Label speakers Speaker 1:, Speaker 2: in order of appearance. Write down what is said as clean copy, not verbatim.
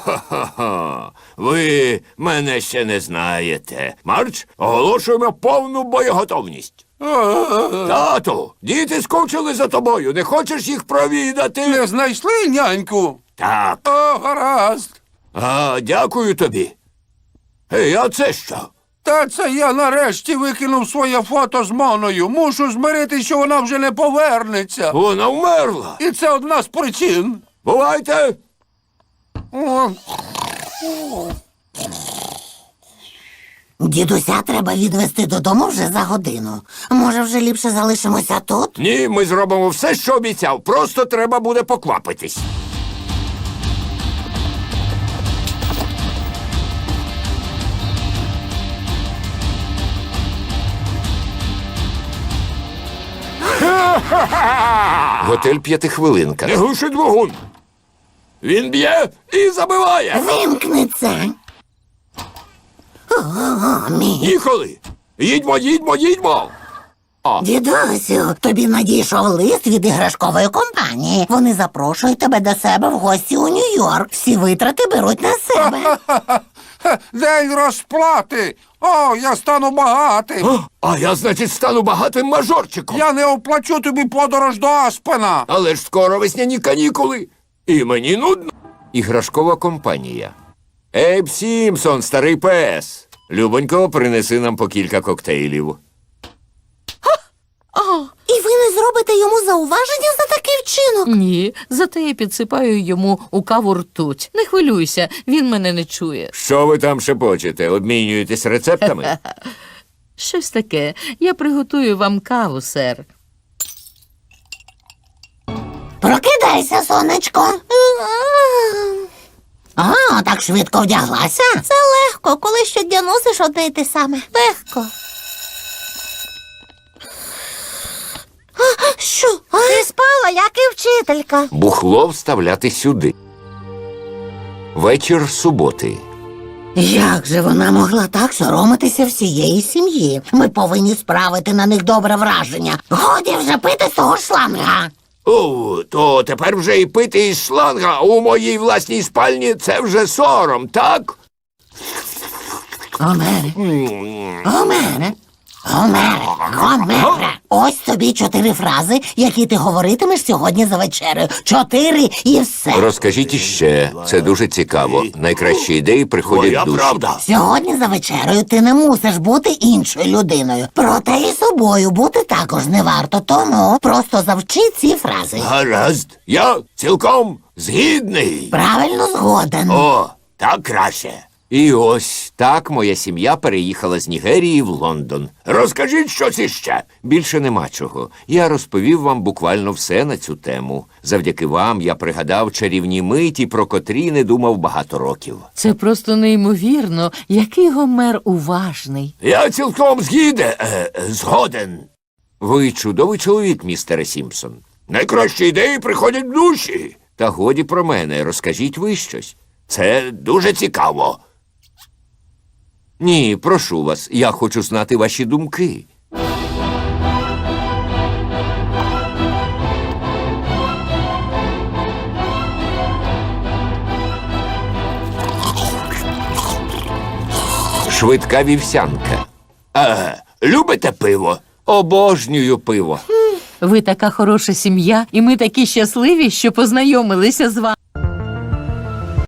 Speaker 1: Ха-ха-ха. Ви мене ще не знаєте. Марч, оголошуємо повну боєготовність. Тату, діти скучили за тобою. Не хочеш їх провідати?
Speaker 2: Не знайшли няньку?
Speaker 1: Так.
Speaker 2: О, гаразд.
Speaker 1: Дякую тобі. А це що?
Speaker 2: Та це я нарешті викинув своє фото з Моною. Мушу змиритися, що вона вже не повернеться.
Speaker 1: Вона вмерла.
Speaker 2: І це одна з причин.
Speaker 1: Бувайте.
Speaker 3: Дідуся треба відвезти додому вже за годину. Може, вже ліпше залишимося тут?
Speaker 1: Ні, ми зробимо все, що обіцяв. Просто треба буде поквапитись. Готель «П'ятихвилинка». Не глушить вогонь. Він б'є і забиває.
Speaker 3: Вимкни це.
Speaker 1: Їхали. Їдьмо.
Speaker 3: Дідусю, тобі надійшов лист від іграшкової компанії. Вони запрошують тебе до себе в гості у Нью-Йорк. Всі витрати беруть на себе.
Speaker 2: День розплати. О, я стану багатим.
Speaker 1: А я, значить, стану багатим мажорчиком.
Speaker 2: Я не оплачу тобі подорож до Аспена.
Speaker 1: Але ж скоро весняні канікули. І мені нудно. Іграшкова компанія. Ейб Сімпсон, старий пес. Любонько, принеси нам по кілька коктейлів.
Speaker 3: І ви не зробите йому зауваження за такий вчинок?
Speaker 4: Ні, зате я підсипаю йому у каву ртуть. Не хвилюйся, він мене не чує.
Speaker 1: Що ви там шепочете? Обмінюєтесь рецептами?
Speaker 4: Щось таке. Я приготую вам каву, сер.
Speaker 3: Прокидайся, сонечко. А, так швидко вдяглася?
Speaker 5: Це легко, коли щодня носиш одне й те саме. Легко.
Speaker 3: Що?
Speaker 5: Ти спала, як і вчителька.
Speaker 1: Бухло вставляти сюди. Вечір суботи.
Speaker 3: Як же вона могла так соромитися всієї сім'ї? Ми повинні справити на них добре враження. Годі вже пити з того шланга.
Speaker 1: О, то тепер вже і пити із шланга у моїй власній спальні – це вже сором, так?
Speaker 3: Гомере. Ось тобі 4 фрази, які ти говоритимеш сьогодні за вечерею. 4 і все.
Speaker 1: Розкажіть іще. Це дуже цікаво. Найкращі ідеї приходять в душі.
Speaker 3: Сьогодні за вечерею ти не мусиш бути іншою людиною. Проте і собою бути також не варто. Тому просто завчи ці фрази.
Speaker 1: Гаразд. Я цілком згідний.
Speaker 3: Правильно згоден.
Speaker 1: О, так краще. І ось так моя сім'я переїхала з Нігерії в Лондон. Розкажіть щось іще. Більше нема чого. Я розповів вам буквально все на цю тему. Завдяки вам я пригадав чарівні миті, про котрі не думав багато років.
Speaker 4: Це просто неймовірно, який Гомер уважний.
Speaker 1: Я цілком згоден. Ви чудовий чоловік, містере Сімпсон. Найкращі ідеї приходять в душі. Та годі про мене, розкажіть ви щось. Це дуже цікаво. Ні, прошу вас, я хочу знати ваші думки. Швидка вівсянка. Любите пиво? Обожнюю пиво.
Speaker 4: Ви така хороша сім'я, і ми такі щасливі, що познайомилися з вами.